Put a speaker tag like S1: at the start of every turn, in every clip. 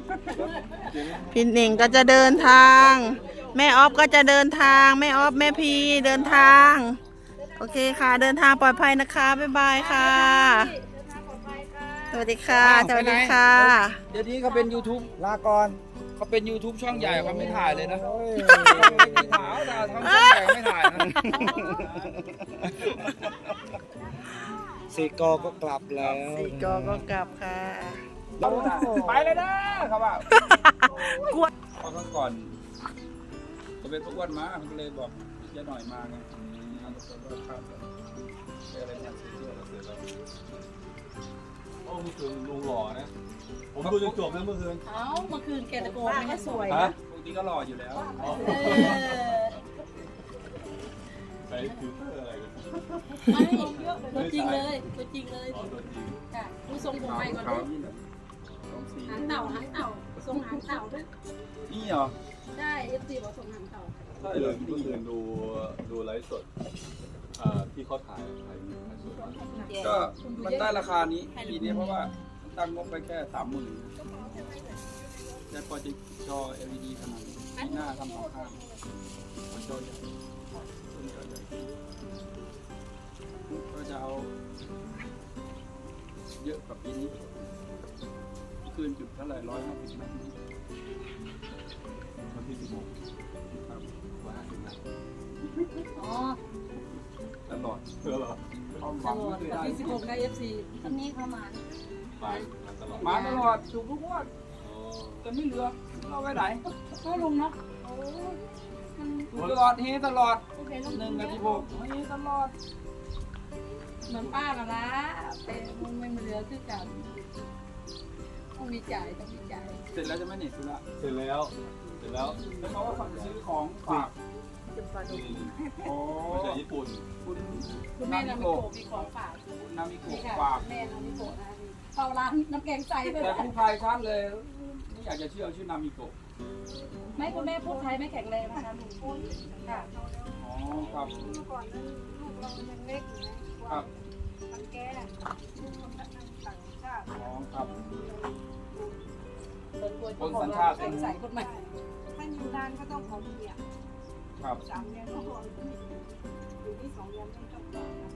S1: พี่เน่งก็จะเดินทาง แม่ออฟก็จะเดินทางแม่ออฟแม่พีเดินทางโอเคค่ะเดินทางปลอดภัยนะคะบ๊ายบายค่ะสวัสดีค่ะสวัสดีค่ะ
S2: เดี๋ยวนี้เขาเป็น YouTube
S3: ลาก่อน
S2: เขาเป็น YouTube ช่องใหญ่เขาไม่ถ่ายเลยนะ
S3: โอ้ย
S2: ขาวแต่ทำช่องใหญ่ไม่ถ่ายนะ
S3: สีกอก็กลับแล้ว
S1: สี่กอก็กลับค่ะ
S2: ไปเลยนะครับว่าก
S1: ลัว
S2: พอครั้งก่อนจะเป็นพวกอ้วนมาเขาเลยบอกจะหน่อยมาไงเอาตัวข้ามเลยอะไรเนี่ยเสื้อเราเสร็จแล้ว
S4: โอ้เมื่อคืนลุงหล่อนะ ผมดูจนจบนะเมื่อคืน
S5: เอ้าเมื่อคืนแกตะโกนไม่ให้สวย
S4: ฮะ
S5: นะ
S2: ปกติก็หล่ออยู่แล้ว
S4: อ๋อ
S5: เออ
S4: ใช้ฟิลเตอร์อะไรกัน
S5: ไม่ตัวจริงเลยตัวจริงเลย
S4: อ๋อตัวจริง
S5: ค่ะดูทรงผมใหม่ก่อน
S2: เขา
S5: ดู
S2: นี่แบบสองสี
S5: หางเต่าทรงหางเต่าด้วย
S2: นี่เหรอ
S5: ใช่เอฟซีบอกทรงหางเต่า
S4: ใช่เลยเมื่อคืนดูไลฟ์สดที่เขาถ่ายสด
S2: ก็มันได้ราคานี้ปีนี้เพราะว่าตั้งงบไปแค่30,000แต่พอจะจอ LED ขนาดนี้ปีหน้าทำสองข้างมันจอใหญ่ต้นจอใหญ่ก็จะเอาเยอะกว่าปีนี้คืนจุดเท่าไหร่150 เมตร
S4: วันที่16ครับ150นะ
S5: อ๋อ
S2: ตลอด
S4: เพื่อเหรอ
S2: ความห
S5: ต
S2: วัง
S5: ลอ
S2: ไม่
S5: ด
S2: เคย
S5: แต่
S2: ได้
S5: ที่16ในเอฟซีคนนี้เข้ามา
S4: มาตลอด
S2: มาตลอดถูกทุกงวด
S4: อ๋อ
S2: จะไม่เหลือเราไปไหน
S5: ก็ลุงเนาะโอ้มัน
S2: ถูกตลอดเฮตลอด
S5: โอเคลุง
S2: 1 กับ 16เฮตลอด
S5: เหมือนป้าน่ะนะแต่มันไม่เหลือคือกันต้องมีจ่าย
S2: เสร็จแล้วจะไม่เหน็ดสุดละ
S4: เสร็จแล้ว
S2: แล้วเขาว่าซื้อของฝาก
S4: นี่
S2: โอ้
S4: มาจากญี่ปุ่น
S2: คุณ
S5: คุณแม่นามิโกะมีของฝาก
S2: นามิโกะ
S5: นี่ค่ะ
S2: ฝาก
S5: แม่นามิโกะนะเข้าร้านน้ำแกงใสเลย
S2: แต่ผู้ชายชัดเลยไม่อยากจะเชื่อชื่อนามิโกะ
S5: ไม่คุณแม่พูดไทยไม่แข็งแรงนะคะลุงค่ะ
S2: อ๋อครับ
S6: เมื่อก่อนนั้นลูกเรายังเล็กอยู่นะครับ มันแก่ลูกคนนั้นต่างชาติ
S2: อ๋อครับ
S5: เปิดตัวเจ้าของร้านแกงใสคนใหม่
S6: ถ้าอยู่นานก็ต้องของเปียก
S2: ครับ
S6: 3 เดือนก็พออยู่ที่2 เดือนไม่ต้องต่อนะ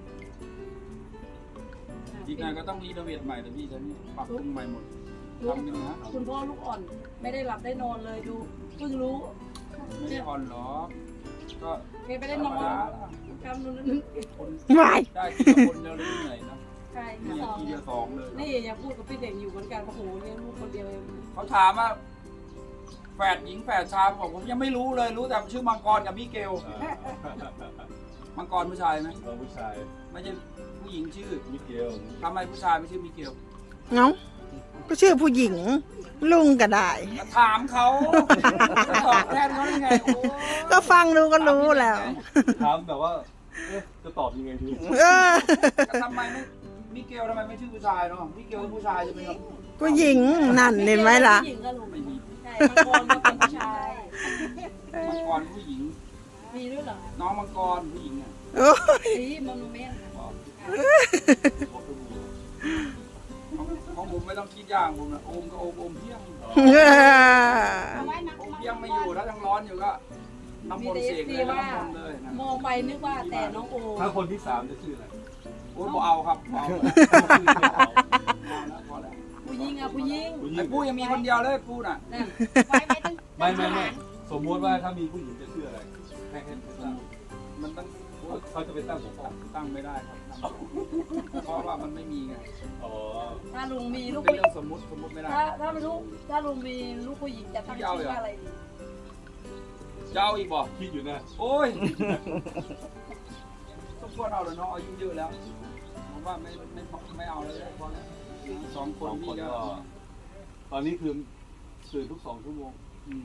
S2: อีกหน่อยก็ต้องรีโนเวทใหม่แต่พี่จะนี่ปรับปรุงใหม่หมดทำหนึ่งนะ
S5: คุณพ่อลูกอ่อนไม่ได้หลับได้นอนเลยดูเพิ่งรู้
S2: ไม่ได้อ่อนหรอกก็
S5: แกไม่ได้นอนทำนู่นนั่น
S2: คน
S1: วาย
S2: ได้ทีละคนเดียวเลยเหนื่อยนะ
S5: ใช่
S2: นี่
S5: ค่ะ
S2: ทีเดียว2เลย
S5: นี่อย่าพูดกับพี่เด่นอยู่เหมือนกันโอ้โหเลี้ยงลูกคนเดียวเอง
S2: เขาถามว่าแฝดหญิงแฝดชายบอกผมยังไม่รู้เลยรู้แต่ชื่อมังกรกับมิเกลมังกรผู้ชายไหม
S4: เราผู้ชาย
S2: ไม่ใช่ผู้หญิงชื่อ
S4: มิเกล
S2: ทำไมผู้ชายไม่ชื่อมิเกล
S1: เนาะก็ชื่อผู้หญิงลุงก็ได้
S2: ถามเขาจะตอบแทนเขาได้ไงโอ้
S1: ก็ฟังดูก็รู้แล้ว
S4: ถามแบบว่าเอ๊ะจะตอบยังไงดี
S1: เออ
S2: ทำไมไม่มิเกลทำไมไม่ชื่อผู้ชายเนาะมิเกลเป็นผู้ชายใช่ไหมครับ
S1: ผู้หญิงนั่นเห็นไหมล่ะ
S5: ผู้หญิงก็ลุง
S2: ไม่มี
S5: ใช่มังกรก็เป็นผู้ชาย
S2: มังกรผู้หญิง
S5: มีด้วยเหรอ
S2: น้องมังกรผู้หญิงอ่ะ
S1: โอ้ย
S5: สีมอนเมนต์
S2: ของผมไม่ต้องคิดอย่างผมนะโอมก็โอมเที่ยง
S6: เอาไว้นะ
S2: โอมเที่ยงไม่อยู่ถ้ายังร้อนอยู่ก็น้ำม
S5: มี
S2: นต์
S5: แต่
S2: เส
S5: เอก ฟ
S2: เล
S5: ซี
S2: ย
S5: ว่า
S2: น้ำมนต์เลยนะ
S5: มองไปนึกว่าแต่น้องโอ
S4: ถ้าคนที่3จะชื่ออะไร
S2: โอ้ยบ่เอาครับบ่เอาพอแล้ว
S5: ผู้หญิงอ่ะผู้หญิง
S4: ผู้หญิ
S2: ไอ้
S4: ง
S2: ปู้ยังมีคนเดียวเลยปู้น่ะ
S5: นั่น
S6: ไว้ไม่ต้อง
S4: ไม่สมมติว่าถ้ามีผู้หญิงจะชื่ออะไรให้ตั้ง
S2: มันต้อง
S4: เขาจะไปตั้งของเขา
S2: ตั้งไม่ได้ครับเพราะว่ามันไม่มีไง
S4: อ๋อ
S5: ถ้าลุงมีลูก
S2: เป็น
S5: ผู้หญิ
S2: เรื่
S5: ง
S2: องสมมุติไม่ได้
S5: ถ้าไม่รู้ถ้าลุงมีลูกผู้หญิงจะตั้งชื่อว่าอะไรดี
S2: จะเอาอีกบ่
S4: คิดอยู่นะ
S2: โอ้ยต้องควรเอาเลยเนาะอายุเยอะแล้วผมว่าไม่เอาแล้วพอแล้วสองค
S4: ส
S2: น
S4: องค
S2: พี่
S4: น
S2: ก็
S4: ก็ตอนนี้คือตื่นทุก2 ชั่วโมง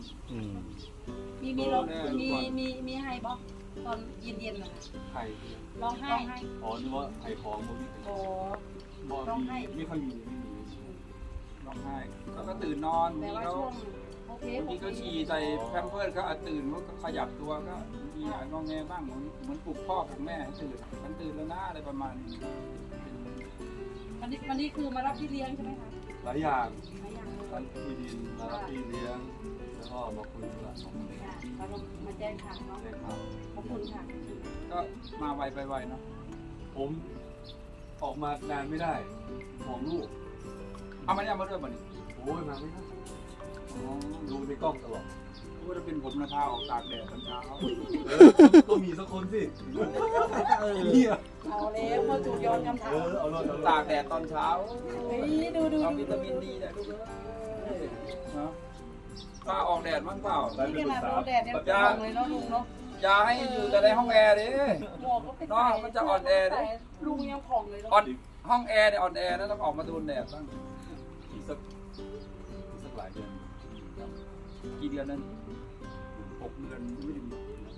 S5: มีร้องมีให้บอกตอนเย็นๆนะ
S4: ไข่
S5: ร้องไห้
S4: อ๋อนึกว่าไข่ของมันมี
S5: โอ้
S4: บ่
S5: ร้องไห้
S4: ไม่ค่อยมีไม่มี
S2: ร้องไห้แล้วก็ตื่นนอน
S5: แปลว่า
S2: แล้ว
S5: ช่วงโอเค
S2: บางทีก็ฉี่ใส่แพมเพิร์สก็ตื่นก็ขยับตัวก็มีงอแงบ้างเหมือนปลุกพ่อปลุกแม่ให้ตื่นมันตื่นแล้วนะอะไรประมาณนี้
S5: วันนี้คือมารับพี่เลี้ยงใช่ไหมคะ
S4: หลายอย่าง
S5: หลายอย่างเลย
S4: ท่านที่ดินมารับพี่เลี้ยงแล้วก็มาคุยกัน
S5: เรามาแจ้งข่าวเนาะ
S4: ได้ข่าว
S5: ขอบคุณค่ะ
S2: ก็มาไวไปไวเนาะ
S4: ผมออกมานานไม่ได้ของลูก
S2: เอามันเอามาด้วยบ่นี่
S4: โอ้ยมาไม่ได้
S2: อ๋อ
S4: ดูในกล้องตลอด
S2: พูดว่าเป็นผมนะพาออกตากแดดตอนเช้า
S4: ต้องมีสักคนสิเนี่ย
S5: เอาแล้วพอถูกย้อนคำถาม
S4: เอาเลย
S2: ตากแดดตอนเช้า
S5: เฮ้ยดู
S2: เอาวิตามินดีนะลูกเอ้ยเนาะพาออกแดดมั้งเปล่า
S5: นี่ขนาดโดนแดดยังตรงเลยเนาะลุงเนาะ
S2: อย่าให้อยู่แต่ในห้องแอร์ดิ
S5: หมวกก็ไป
S2: เนาะมันจะอ่อนแอดิ
S5: ลุงยังผ่องเลย
S2: อ่อ
S5: เนาะ
S2: นห้องแอร์เนี่ยอ่อนแอนะต้องออกมาโดนแดดบ้าง
S4: อีกสักหลายเดือน
S2: กี่เดือนนั่น6 เดือนไม่ถึง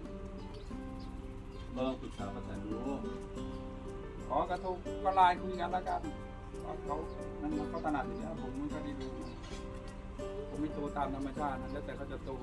S4: เราลองปรึกษาประธานดู
S2: ขอกระทบก็ไลน์คุยกันแล้วกันเขามันเขาถนัดอยู่แล้วผมมันก็ดีดูผมไม่โตตามธรรมชาตินะแล้วแต่เขาจะโต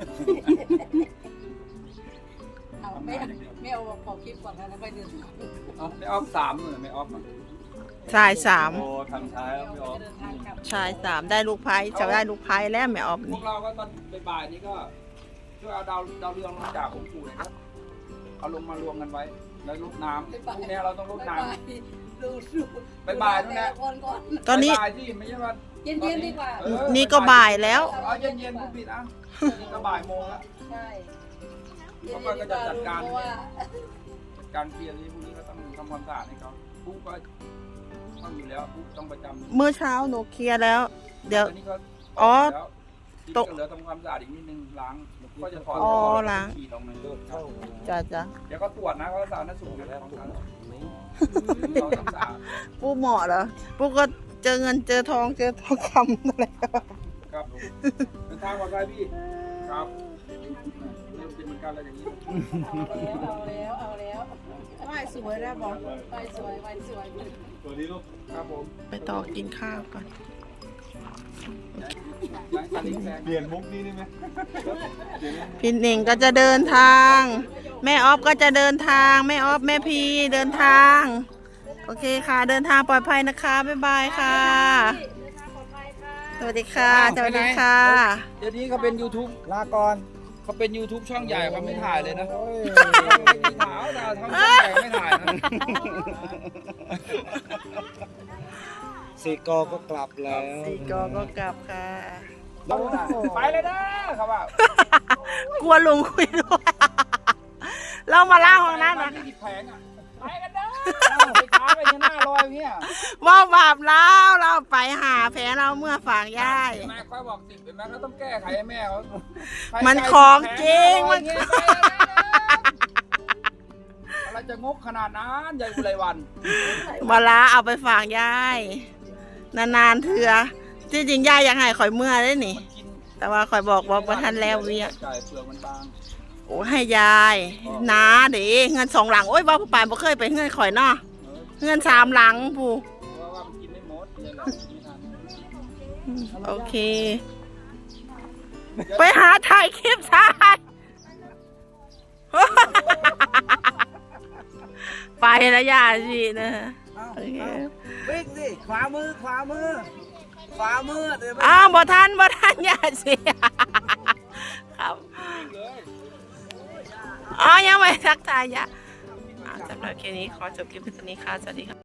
S5: เอาไม่เอาขอคลิปก่อนนะแล้วไปเดินทาง
S2: เอาไม่ออฟ3เลยไม่ออฟ
S1: ชายสาม
S4: โอ้ทำช้าแล้วไม่ออก
S5: เดินทางกลับ
S1: ชายสามได้ลูกไพ่จะได้ลูกไพ่แล้วแม่ออฟ
S2: พว
S1: นี่
S2: กเราก็ตอนบ่ายๆนี้ก็ช่วยเอาดาวเรืองลงจากองค์ปู่นะครับเอาลงมารวมกันไว้แล้วรดน้ำพวกนี้เราต้องรดน้ำ
S5: ดู
S2: บ่ายๆนู่นแหละ
S5: ก่อน
S1: ตอนนี้
S2: บ่ายๆที่ไม่ใช่ว่า
S5: เย็นๆดีกว่า
S1: นี่ก็บ่ายแล้ว
S2: เอาเย็นๆผู้ผิดอ่ะนี่ก็บ่ายโมงแล้ว
S5: ใช่
S2: เขาก็จะจัดการ
S5: เพราะว่า
S2: การเคลียร์ที่พวกนี้ก็ต้องทำความสะอาดให้เขาผู้ก็ต้องอยู่แล้วผู้ต้องประจำ
S1: เมื่อเช้าหนูเคลียร์แล้ว เดี๋ยว
S2: อันนี้ก็
S1: อ๋อ
S2: แล้ว
S1: ต
S2: ต
S1: ก
S2: กเหลือทำความสะอาดอีกนิดนึงล้างก็จะถอด
S1: อ๋อล้าง
S2: ขีดออกมา
S3: เข้า
S1: จ้าจ้า
S2: เดี๋ยวก็ตรวจนะเขาสาธารณสุขอยู่แล้วของเขาเราต้องสะอาด
S1: ปูเหมาะเหรอปูก็เจอเงินเจอทองเจอทองคำอะไร
S2: ครับเดินทางปลอดภัยพี่ครับเริ่มเป็นเหมือนกันแล้วอย่างนี้
S5: เอาแล้วไหวสวยแล้วบอกไหวสวย
S4: ตัวนี้ลูก
S2: ครับผม
S1: ไปต่อกินข้าวก่อน
S2: ย้ายคันนี้แพง
S4: เปลี่ยนมุกนี้ได้ไหม
S1: พี่หนิงก็จะเดินทาง แม่ออฟก็จะเดินทางแม่ออฟแม่พีเดินทาง โอเคค่ะ เดินทางปลอดภัยนะคะบ๊ายบายค่ะ สวัสดีค่ะสวัสดีค่ะ
S2: เดี๋ยวนี้เขาเป็น YouTube
S3: ลาก่อน
S2: เขาเป็น YouTube ช่องใหญ่เขาไม่ถ่ายเลยนะ
S3: โอ้ย
S2: ไม่ถ่ายแต่ทำช่องใหญ่ไม่ถ่ายนะ
S3: สี่กอก็กลับแล้ว
S1: สี่กอก็กลับค่ะ
S2: ไปเลยนะเขาว่าก
S1: ลัวลุงคุยด้วย เรามาล่าห้องน้ำนะ
S2: ที่แผงอ่ะไปกันเด้อไปช้าไปยังหน้าลอยเนี่ย
S1: ว่าบาปแล้วเราไปหาแผลเราเมื่อฝากย่าย
S2: แม่ค่อยบอก10เห็นไหมเขาต้องแก้ไขให้แม่เขา
S1: มันของจริง
S2: มันอะไรจะงกขนาดนั้นยายอุไรวัน
S1: มาลาเอาไปฝากย่ายนานๆเถื่อที่จริงย่ายอยากให้ข่อยเมื่อได้นี่
S2: มันกิน
S1: แต่ว่าข่อยบอกว่าประทันแล้วเวีย
S2: จ่ายเปลือกมันบาง
S1: โอ้ให้ยายนาเด้เงิน2 หลังโอ้ยว่าผู้ป่านบ่เคยไปเงินข่อยเนาะเงิน3 หลังผู้
S2: เพราะว่ามันกินไม่หมดเลยแหละกินไม่ทัน
S1: โอเค ไปหาถ่ายคลิปถ่าย ไปแล้วย่าสินะโอเค
S3: วิ่งสิขวามือเดี๋ยว
S1: อ้าวบ่ทันย่าสิ ครับอ๋อยังไม่ทักทายย่าสำหรับคลิปนี้ขอจบคลิปเพียงเท่านี้ค่ะสวัสดีค่ะ